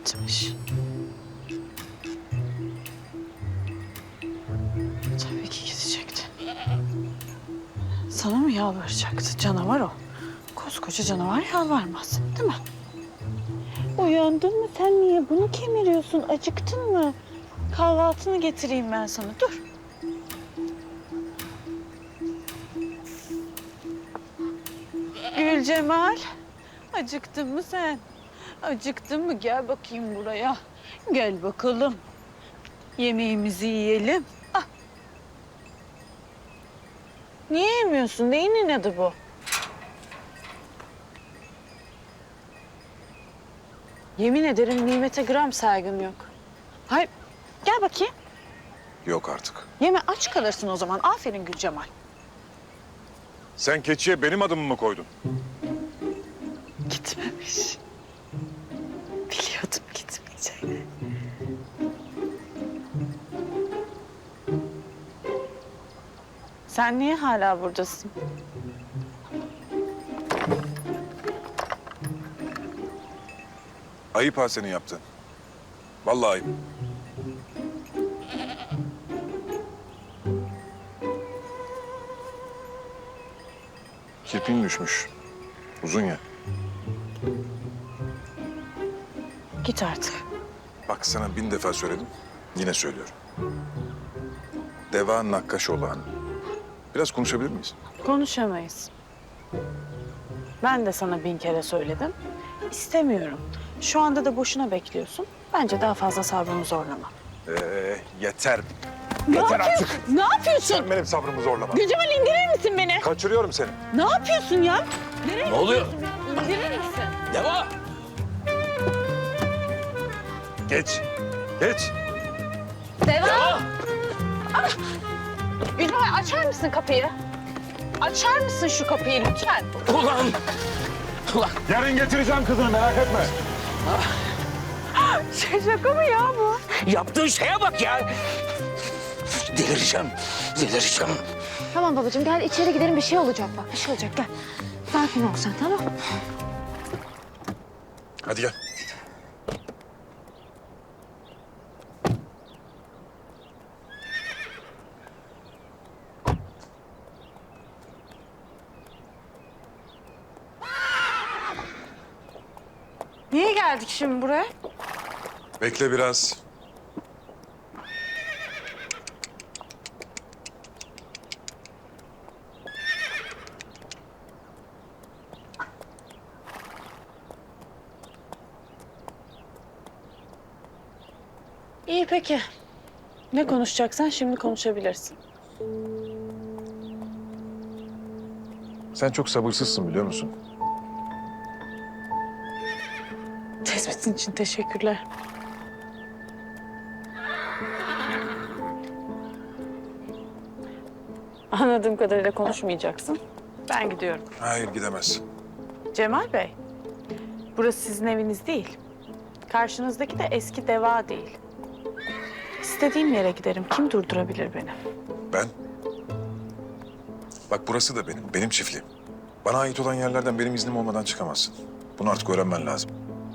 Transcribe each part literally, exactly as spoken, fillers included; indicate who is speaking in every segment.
Speaker 1: gitmiş. Tabii ki gidecekti. Sana mı yalvaracaktı? Canavar o. Koskoca canavar yalvarmaz, değil mi? Uyandın mı? Sen niye bunu kemiriyorsun? Acıktın mı? Kahvaltını getireyim ben sana. Dur. Gül Cemal, acıktın mı sen? Acıktın mı? Gel bakayım buraya. Gel bakalım. Yemeğimizi yiyelim. Ah. Niye yemiyorsun? Neyin inadı bu? Yemin ederim nimete gram saygım yok. Hayır, gel bakayım.
Speaker 2: Yok artık.
Speaker 1: Yeme, aç kalırsın o zaman. Aferin Gül Cemal.
Speaker 2: Sen keçiye benim adımı mı koydun?
Speaker 1: Gitmemiş. Biliyordum gitmeyeceğini. Sen niye hala buradasın?
Speaker 2: Ayıp ha senin yaptığın. Vallahi ayıp. Kirpin düşmüş. Uzun ya.
Speaker 1: Git artık.
Speaker 2: Bak sana bin defa söyledim. Yine söylüyorum. Deva Nakkaşoğlu Hanım. Biraz konuşabilir miyiz?
Speaker 1: Konuşamayız. Ben de sana bin kere söyledim. İstemiyorum. Şu anda da boşuna bekliyorsun. Bence daha fazla sabrımı zorlama.
Speaker 2: Ee, yeter.
Speaker 1: Ne
Speaker 2: Yeter
Speaker 1: yapıyorsun?
Speaker 2: artık.
Speaker 1: Ne yapıyorsun?
Speaker 2: Sen benim sabrımı zorlama.
Speaker 1: Gülcemal indirir misin beni?
Speaker 2: Kaçırıyorum seni.
Speaker 1: Ne yapıyorsun ya? Nereye
Speaker 3: Ne oluyor?
Speaker 1: gidiyorsun? İndirir misin?
Speaker 3: Deva!
Speaker 2: Geç. Geç.
Speaker 1: Deva!
Speaker 3: Deva!
Speaker 1: Gülcemal açar mısın kapıyı? Açar mısın şu kapıyı lütfen?
Speaker 3: Ulan! Ulan!
Speaker 2: Yarın getireceğim kızını merak etme.
Speaker 1: Şey, şaka mı ya bu?
Speaker 3: Yaptığın şeye bak ya! Delireceğim, delireceğim.
Speaker 4: Tamam babacığım gel içeri gidelim bir şey olacak bak bir şey olacak gel. Sakin ol sen tamam.
Speaker 2: Hadi gel.
Speaker 1: Niye geldik şimdi buraya?
Speaker 2: Bekle biraz.
Speaker 1: İyi peki. Ne konuşacaksan şimdi konuşabilirsin.
Speaker 2: Sen çok sabırsızsın biliyor musun?
Speaker 1: Tespitin için teşekkürler. Anladığım kadarıyla konuşmayacaksın. Ben gidiyorum.
Speaker 2: Hayır gidemez.
Speaker 1: Cemal Bey, burası sizin eviniz değil. Karşınızdaki de eski Deva değil. İstediğim yere giderim. Kim durdurabilir beni?
Speaker 2: Ben? Bak burası da benim, benim çiftliğim. Bana ait olan yerlerden benim iznim olmadan çıkamazsın. Bunu artık öğrenmen lazım.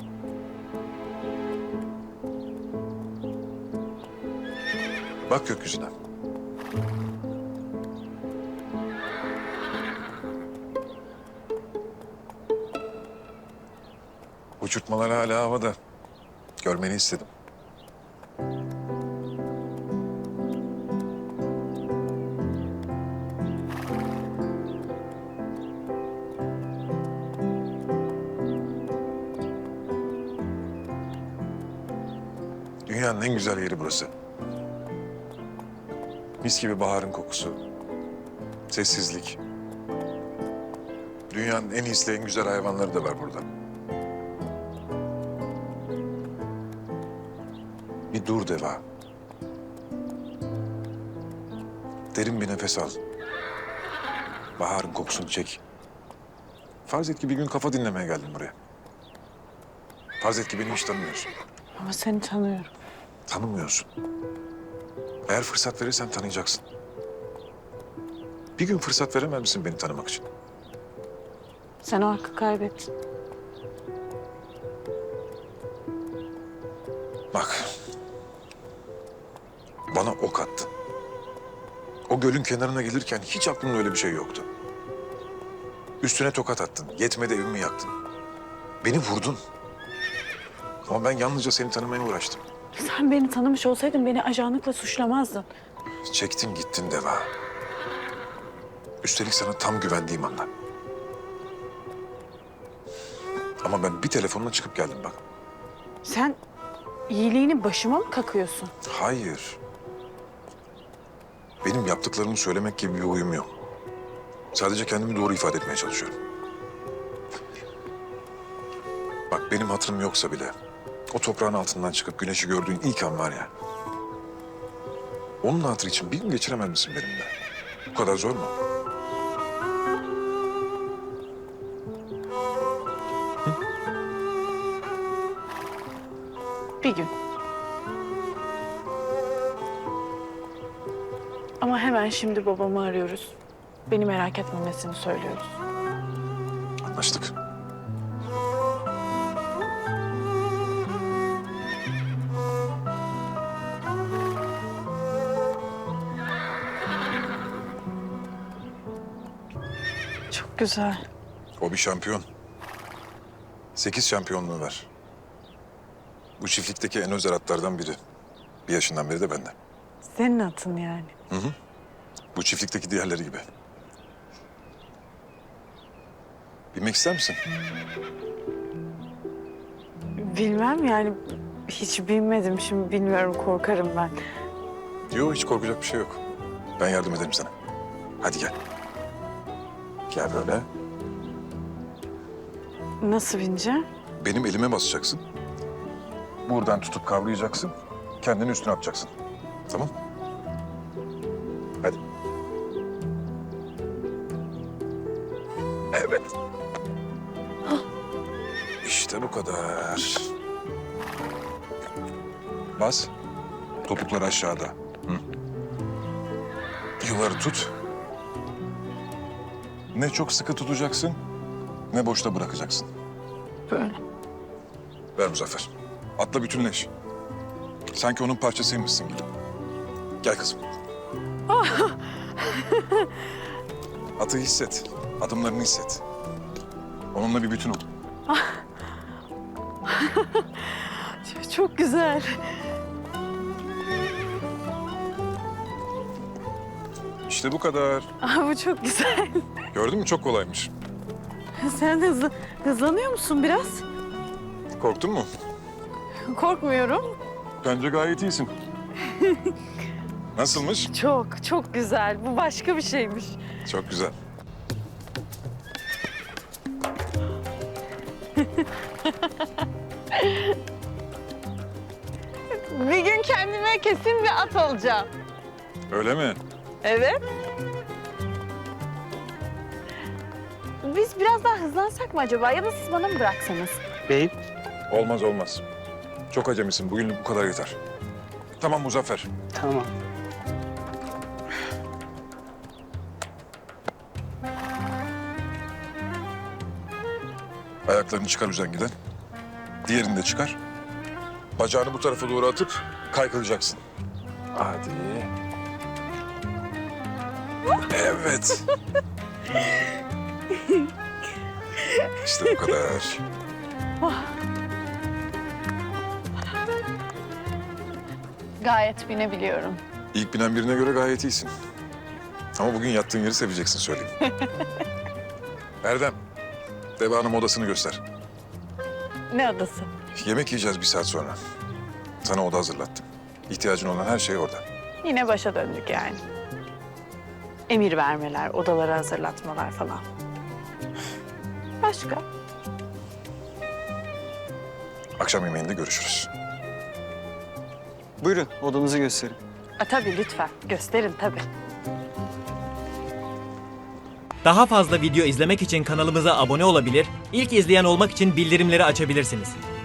Speaker 2: Bak gökyüzüne. Uçurtmalar hala havada. Görmeni istedim. Dünyanın en güzel yeri burası. Mis gibi baharın kokusu. Sessizlik. Dünyanın en hisli, en güzel hayvanları da var burada. Bir dur Deva. Derin bir nefes al. Baharın kokusunu çek. Farz et ki bir gün kafa dinlemeye geldin buraya. Farz et ki beni hiç tanımıyorsun.
Speaker 1: Ama seni tanıyorum.
Speaker 2: Tanımıyorsun. Eğer fırsat verirsen tanıyacaksın. Bir gün fırsat veremez misin beni tanımak için?
Speaker 1: Sen o hakkı kaybettin.
Speaker 2: Bak. Bana ok attın. O gölün kenarına gelirken hiç aklımda öyle bir şey yoktu. Üstüne tokat attın. Yetmedi evimi yaktın. Beni vurdun. Ama ben yalnızca seni tanımaya uğraştım.
Speaker 1: Sen beni tanımış olsaydın beni ajanlıkla suçlamazdın.
Speaker 2: Çektin gittin Deva. Üstelik sana tam güvendiğim anda. Ama ben bir telefonla çıkıp geldim bak.
Speaker 1: Sen iyiliğini başıma mı kakıyorsun?
Speaker 2: Hayır. Benim yaptıklarımı söylemek gibi bir huyum yok. Sadece kendimi doğru ifade etmeye çalışıyorum. Bak benim hatırım yoksa bile o toprağın altından çıkıp güneşi gördüğün ilk an var ya. Onun hatırı için bir gün geçiremez misin benimle? Bu kadar zor mu?
Speaker 1: Bir gün. Ama hemen şimdi babamı arıyoruz. Beni merak etmemesini söylüyoruz.
Speaker 2: Anlaştık.
Speaker 1: Çok güzel.
Speaker 2: O bir şampiyon. Sekiz şampiyonluğu var. Bu çiftlikteki en özel atlardan biri. Bir yaşından beri de bende.
Speaker 1: Senin atın yani.
Speaker 2: Bu çiftlikteki diğerleri gibi. Bilmek ister misin?
Speaker 1: Bilmem yani hiç bilmedim. Şimdi bilmiyorum korkarım ben.
Speaker 2: Yok hiç korkacak bir şey yok. Ben yardım ederim sana. Hadi gel. Gel böyle.
Speaker 1: Nasıl bineceğim?
Speaker 2: Benim elime basacaksın. Buradan tutup kavrayacaksın. Kendini üstüne atacaksın. Tamam? Hadi. Evet. İşte bu kadar. Bas. Topuklar aşağıda. Hı. Yuvarı tut. Ne çok sıkı tutacaksın, ne boşta bırakacaksın.
Speaker 1: Böyle.
Speaker 2: Ver Muzaffer. Atla bütünleş. Sanki onun parçasıymışsın gibi. Gel kızım. Atı hisset. Adımlarını hisset. Onunla bir bütün ol.
Speaker 1: Çok güzel.
Speaker 2: İşte bu kadar.
Speaker 1: Aa, bu çok güzel.
Speaker 2: Gördün mü? Çok kolaymış.
Speaker 1: Sen hızlı, hızlanıyor musun biraz?
Speaker 2: Korktun mu?
Speaker 1: Korkmuyorum.
Speaker 2: Bence gayet iyisin. Nasılmış?
Speaker 1: Çok, çok güzel. Bu başka bir şeymiş.
Speaker 2: Çok güzel.
Speaker 1: Bir gün kendime kesin bir at alacağım.
Speaker 2: Öyle mi?
Speaker 1: Evet. Biz biraz daha hızlansak mı acaba? Ya da siz bana mı bıraksanız?
Speaker 3: Beyim.
Speaker 2: Olmaz olmaz. Çok acemisin. Bugünlük bu kadar yeter. Tamam Muzaffer.
Speaker 3: Tamam.
Speaker 2: Ayaklarını çıkar uzangiden. Diğerini de çıkar. Bacağını bu tarafa doğru atıp kaykılacaksın. Hadi. Evet. İşte bu kadar.
Speaker 1: Gayet binebiliyorum.
Speaker 2: İlk binen birine göre gayet iyisin. Ama bugün yattığın yeri seveceksin söyleyeyim. Erdem, Deva Hanım odasını göster.
Speaker 1: Ne adası?
Speaker 2: Yemek yiyeceğiz bir saat sonra. Sana oda hazırlattım. İhtiyacın olan her şey orada.
Speaker 1: Yine başa döndük yani. Emir vermeler, odaları hazırlatmalar falan. Başka?
Speaker 2: Akşam yemeğinde görüşürüz.
Speaker 5: Buyurun, odanızı gösterin.
Speaker 1: A, tabii lütfen. Gösterin tabii.
Speaker 6: Daha fazla video izlemek için kanalımıza abone olabilir, ilk izleyen olmak için bildirimleri açabilirsiniz.